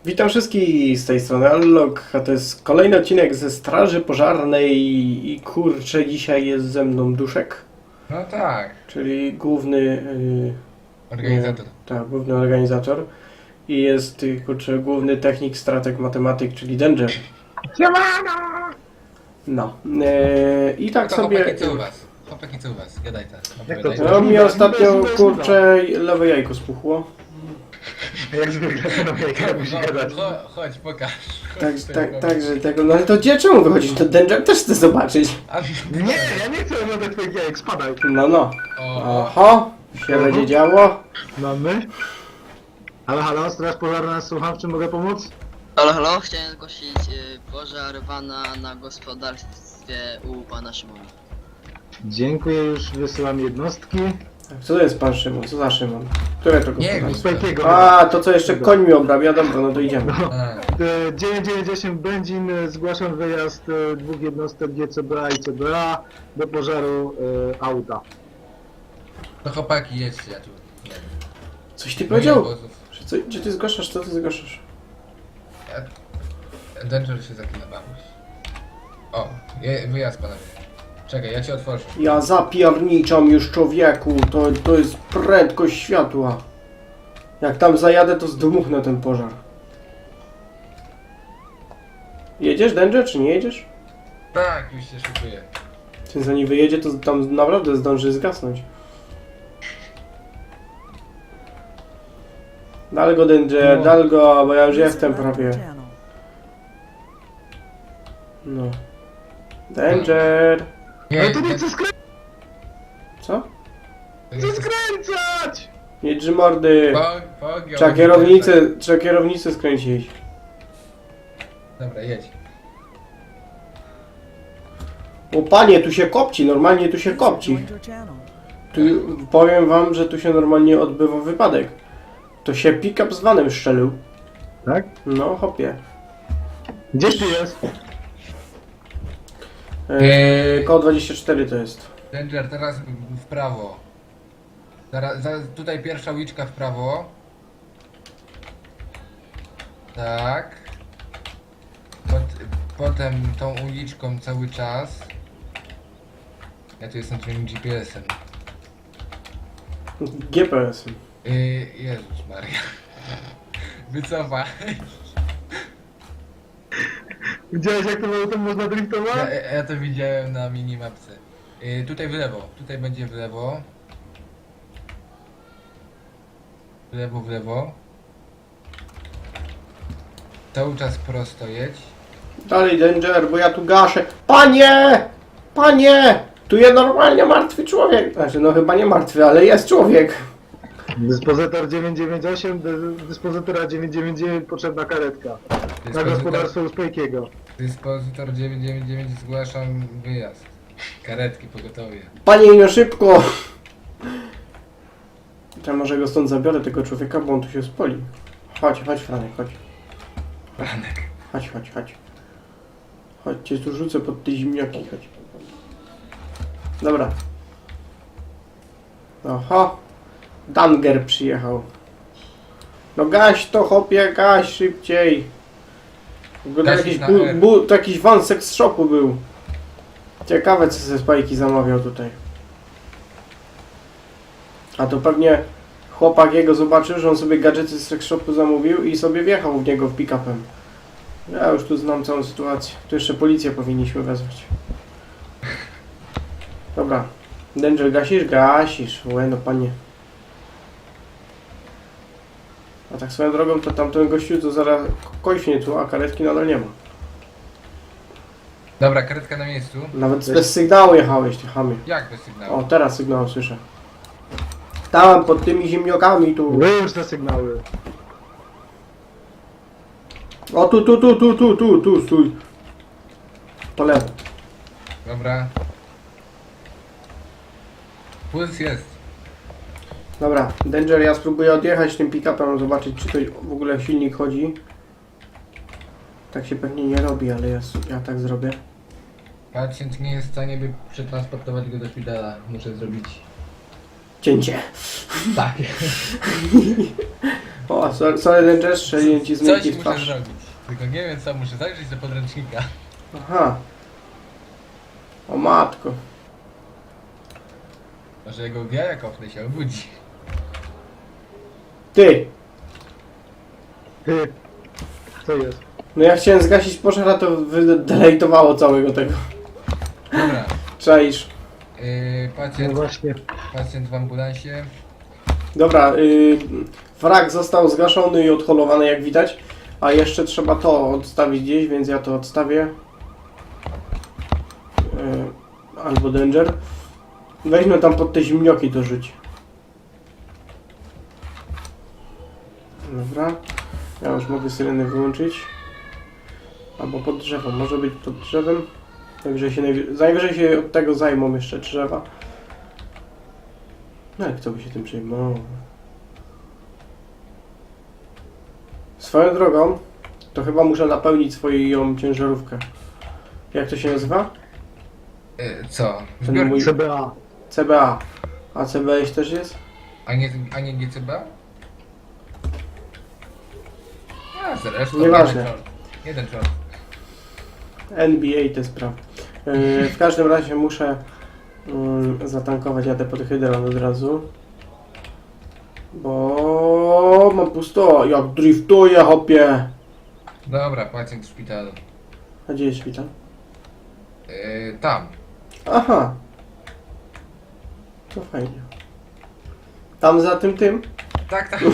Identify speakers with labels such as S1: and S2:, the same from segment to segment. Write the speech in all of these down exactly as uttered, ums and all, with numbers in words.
S1: Witam wszystkich z tej strony Allok, a to jest kolejny odcinek ze Straży Pożarnej i kurczę, dzisiaj jest ze mną Duszek,
S2: No tak,
S1: czyli główny, yy,
S2: organizator.
S1: nie, tak, główny organizator i jest y, kurczę, główny technik, strateg, matematyk, czyli Danger. No, yy, i tak
S2: to
S1: sobie...
S2: chłopaki, co u was? Chłopaki, co u was? Gadaj teraz. opowiadaj.
S1: No mi ostatnio kurczę lewe jajko spuchło.
S3: Jak zwykle, no jak musi gadać.
S2: Chodź, chodź, pokaż.
S1: Tak,
S2: Chodź,
S1: tak,
S2: pokaż.
S1: także tego, no ale to gdzie, czemu wychodzisz? To Danger też chce zobaczyć.
S2: A,
S3: Nie, ja nie chcę oglądać twoich jajek, spadaj.
S1: No, no.
S2: O,
S1: Oho, się będzie działo.
S3: Mamy. Halo, halo, straż pożarna, słucham, w czym mogę pomóc?
S4: Halo, halo, chciałem zgłosić y, pożar wana na gospodarstwie u pana Szymona.
S3: Dziękuję, już wysyłam jednostki.
S1: Co to jest pan Szymon? Co za Szymon? Które to
S2: Nie,
S1: gospodarstwo?
S3: Spajkiego.
S1: A, to co jeszcze koń mi obrabia? Dobra, no to idziemy.
S2: a,
S3: dziewięćset dziewięćdziesiąt osiem Będzin, e, zgłaszam wyjazd e, dwóch jednostek G C B A i C B A do pożaru e, auta.
S2: to chłopaki, jedźcie, ja tu. Nie wiem.
S1: Coś ty
S2: Moich
S1: powiedział?
S2: obozów.
S1: Że Co, gdzie ty zgłaszasz? Co ty zgłaszasz?
S2: Ja- Danger się zaklina babuś. O, je, wyjazd panowie. Czekaj, ja cię otworzę.
S1: Ja zapierniczam już człowieku, to, to jest prędkość światła. Jak tam zajadę, to zdmuchnę ten pożar. Jedziesz, Danger, czy nie jedziesz?
S2: Tak, już się szykuję.
S1: Czy zanim wyjedzie, to tam naprawdę zdąży zgasnąć. Dal go, Danger,
S2: No.
S1: dal go, bo ja już jestem prawie. No. Danger!
S2: Nie,
S3: Ale to nie
S2: ten-
S3: chcę skręcać!
S2: to
S1: Co?
S2: nie
S3: Chcę
S2: chcę-
S3: skręcać!
S1: Nie drży mordy!
S2: Po- pogiął.
S1: Trzeba kierownicę, trzeba kierownicę skręcić.
S2: Dobra, jedź.
S1: O panie, tu się kopci, normalnie tu się kopci. Tu, powiem wam, że tu się normalnie odbywa wypadek. To się pick-up z vanem szczelił.
S3: Tak?
S1: No, hopie.
S3: Gdzieś tu jest?
S1: Eee, koło dwadzieścia cztery to jest.
S2: Danger, teraz w prawo. Zaraz, zaraz, tutaj pierwsza uliczka w prawo. Tak. Pot, potem tą uliczką cały czas. Ja tu jestem twoim G P S-em.
S1: G P S.
S2: Yy, Jezus Maria. Wycofaj.
S3: Widziałeś, jak tym autem można driftować?
S2: Ja, ja ja to widziałem na minimapce. Yy, tutaj w lewo. Tutaj będzie w lewo. W lewo, w lewo. Cały czas prosto jedź.
S1: Dalej, Danger, bo ja tu gaszę. Panie! Panie! Tu jest normalnie martwy człowiek. Znaczy, no chyba nie martwy, ale jest człowiek.
S3: Dyspozytor dziewięćset dziewięćdziesiąt osiem, dy- dyspozytora dziewięćset dziewięćdziesiąt dziewięć, potrzebna karetka. Na
S2: Dyspozytor,
S3: gospodarstwo u Spajkiego.
S2: dyspozytor dziewięćset dziewięćdziesiąt dziewięć zgłaszam wyjazd. Karetki pogotowie.
S1: Panie, no szybko! Ja może go stąd zabiorę, tego człowieka, bo on tu się spoli. Chodź, chodź, Franek, chodź.
S2: Franek.
S1: Chodź, chodź, chodź. Chodź, cię tu rzucę pod te zimniaki, chodź. Dobra. Oho. Danger przyjechał. No gaś to, chopie, gaś szybciej. Wygląda
S2: Gasić
S1: jakiś,
S2: na
S1: bu,
S2: R.
S1: bu, to jakiś van sex shopu był. Ciekawe, co ze Spajki zamawiał tutaj. A to pewnie chłopak jego zobaczył, że on sobie gadżety z sex shopu zamówił i sobie wjechał w niego w pick-upem. Ja już tu znam całą sytuację. Tu jeszcze policję powinniśmy wezwać. Dobra. Danger, gasisz? Gasisz. Łe, no panie. A tak swoją drogą to tamten gościu to zaraz kośnie tu, a karetki nadal nie ma.
S2: Dobra, karetka na miejscu.
S1: Nawet bez sygnału jechałeś, ty chamie.
S2: Jak bez sygnału?
S1: O, teraz sygnał słyszę. Tam, pod tymi ziemniokami tu.
S3: Wyłącz te sygnały.
S1: O, tu, tu, tu, tu, tu, tu, tu, stój. Po lewo.
S2: Dobra. Puls jest.
S1: Dobra, Danger, ja spróbuję odjechać tym pick-upem, zobaczyć, czy to w ogóle silnik chodzi. Tak się pewnie nie robi, ale ja, ja tak zrobię.
S2: Pacjent nie jest w stanie, by przetransportować go do szpitala. Muszę zrobić
S1: Cięcie.
S2: tak.
S1: O, sorry, sorry Danger, strzeliłem ci z
S2: Coś
S1: miękki w
S2: muszę
S1: twarz.
S2: zrobić. Tylko nie wiem co, muszę zajrzeć do podręcznika.
S1: Aha. O matko.
S2: Może jego jaja kopnę się obudzi.
S1: Ty!
S3: Ty. Co jest?
S1: No ja chciałem zgasić pożar, a to wydelejtowało całego tego.
S2: Dobra.
S1: Czaisz.
S2: Yy,
S3: No
S2: pacjent,
S3: właśnie.
S2: pacjent w ambulansie.
S1: Dobra, yy, wrak został zgaszony i odholowany jak widać. A jeszcze trzeba to odstawić gdzieś, więc ja to odstawię. Yy, albo Danger. Weźmy tam pod te zimnioki to rzuć. Dobra. Ja już mogę syreny wyłączyć. Albo pod drzewem. Może być pod drzewem. Najwyżej się, najwy... najwyżej się od tego zajmą jeszcze drzewa. No jak kto by się tym przejmował? Swoją drogą, to chyba muszę napełnić swoją ciężarówkę. Jak to się nazywa?
S2: Yy, co?
S1: Ten
S2: Zbiornik?
S1: mój-
S3: C B A.
S1: C B A. A C B A też jest?
S2: A nie, a nie G C B? A zresztą.
S1: Nieważne.
S2: Jeden short. Jeden short.
S1: N B A te sprawy. Yy, w każdym razie muszę yy, zatankować jadę pod hydron od razu. Bo mam pusto. Jak driftuję, hopie.
S2: Dobra, pacjent w szpitalu.
S1: A gdzie jest szpital?
S2: Yy, tam.
S1: Aha. To fajnie. Tam za tym tym?
S2: Tak, tak.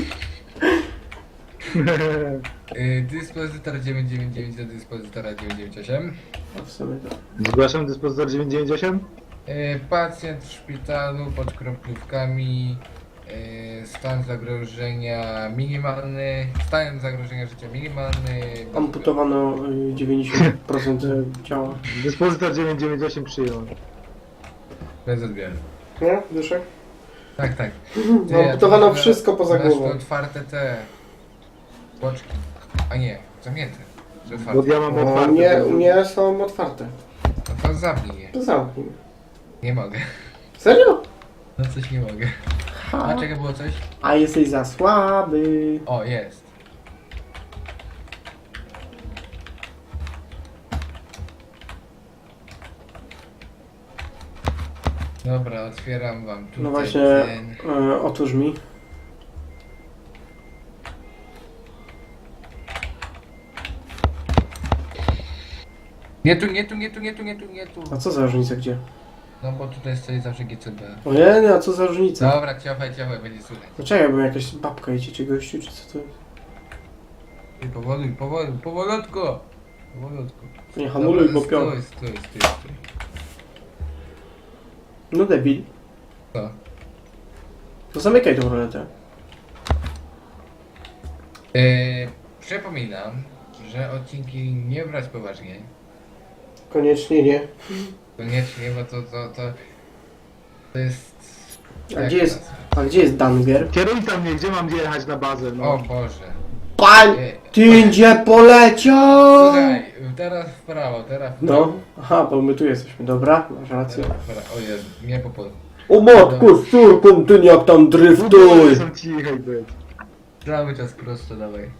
S2: Yy, dyspozytor dziewięćset dziewięćdziesiąt dziewięć do dyspozytora dziewięćset dziewięćdziesiąt osiem.
S1: A w sumie to.
S3: Zgłaszam dyspozytor dziewięćset dziewięćdziesiąt osiem.
S2: Yy, pacjent w szpitalu pod kroplówkami. Yy, stan zagrożenia minimalny. Stan zagrożenia życia minimalny.
S1: Amputowano y, dziewięćdziesiąt procent ciała.
S3: Dyspozytor dziewięćset dziewięćdziesiąt osiem przyjął.
S2: Bez odbioru.
S1: Nie? Dyszek?
S2: Tak, tak.
S1: No, amputowano
S2: masz-
S1: wszystko poza
S2: masz
S1: głową.
S2: tu otwarte te boczki. A nie, zamknięte. Czy
S3: Bo
S2: otwarte?
S3: ja mam
S1: O,
S3: otwarte.
S1: nie, u mnie są otwarte.
S2: No to zamknij je.
S1: To zamknij.
S2: Nie mogę.
S1: Serio?
S2: No coś nie mogę. A
S1: Ha.
S2: czego było coś?
S1: A jesteś za słaby.
S2: O, jest. Dobra, otwieram wam tutaj
S1: No właśnie,
S2: ten.
S1: y, otwórz mi.
S2: Nie tu, nie tu, nie tu, nie tu, nie tu, nie tu.
S1: A co za różnica gdzie?
S2: No bo tutaj stoi zawsze G C B.
S1: Ojej, a co za różnica?
S2: Dobra, ciachaj, ciachaj, będzie słychać.
S1: No czekaj, bo jakaś babka idzie czy gościu, czy co to jest?
S2: I powoluj, powoluj, powolutku. Powolutku.
S1: Nie hamuluj, bo
S2: Dobra,
S1: pion.
S2: Stój, stój, stój, stój.
S1: No debil.
S2: Co?
S1: To zamykaj tą roletę.
S2: Yy, przypominam, że odcinki nie brać poważnie.
S1: Koniecznie nie.
S2: Koniecznie, bo to, to, to, to jest...
S1: A
S2: jak
S1: gdzie
S2: to
S1: jest,
S2: nazwać?
S1: a gdzie jest Danger?
S3: Kierowca mnie, gdzie mam jechać na bazę? No.
S2: O Boże.
S1: Pań!
S2: Yy,
S1: Ty gdzie poleciał?
S2: Słuchaj, teraz w prawo, teraz w prawo.
S1: No, aha, bo my tu jesteśmy, dobra, masz rację.
S2: Teraz w prawo. O Jezu, nie po polu.
S1: O matku, z córką, ty jak tam
S3: W ogóle
S1: driftuj!
S3: są cichej być.
S2: Cały czas prosto, dawaj.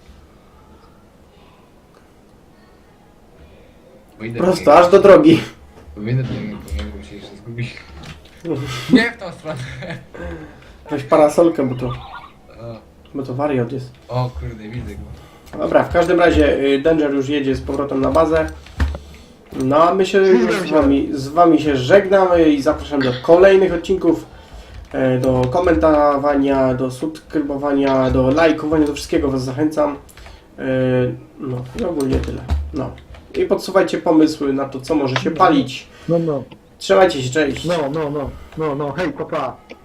S2: Wyjdę
S1: Prosto, aż do drogi.
S2: Wyjdę do niego, bo się jeszcze zgubi. Nie w tą stronę.
S1: Weź parasolkę, bo to,
S2: O,
S1: bo to wariat jest.
S2: o kurde, widzę go.
S1: Dobra, w każdym razie y, Danger już jedzie z powrotem na bazę. No a my się już z wami, z wami się żegnamy i zapraszam do kolejnych odcinków. e, Do komentowania, do subskrybowania, do lajkowania, do wszystkiego was zachęcam. E, No i ogólnie tyle. No. I podsuwajcie pomysły na to, co może się palić.
S3: No, no,
S1: Trzymajcie się, cześć!
S3: no, no, no, no, no, hej, papa. Pa.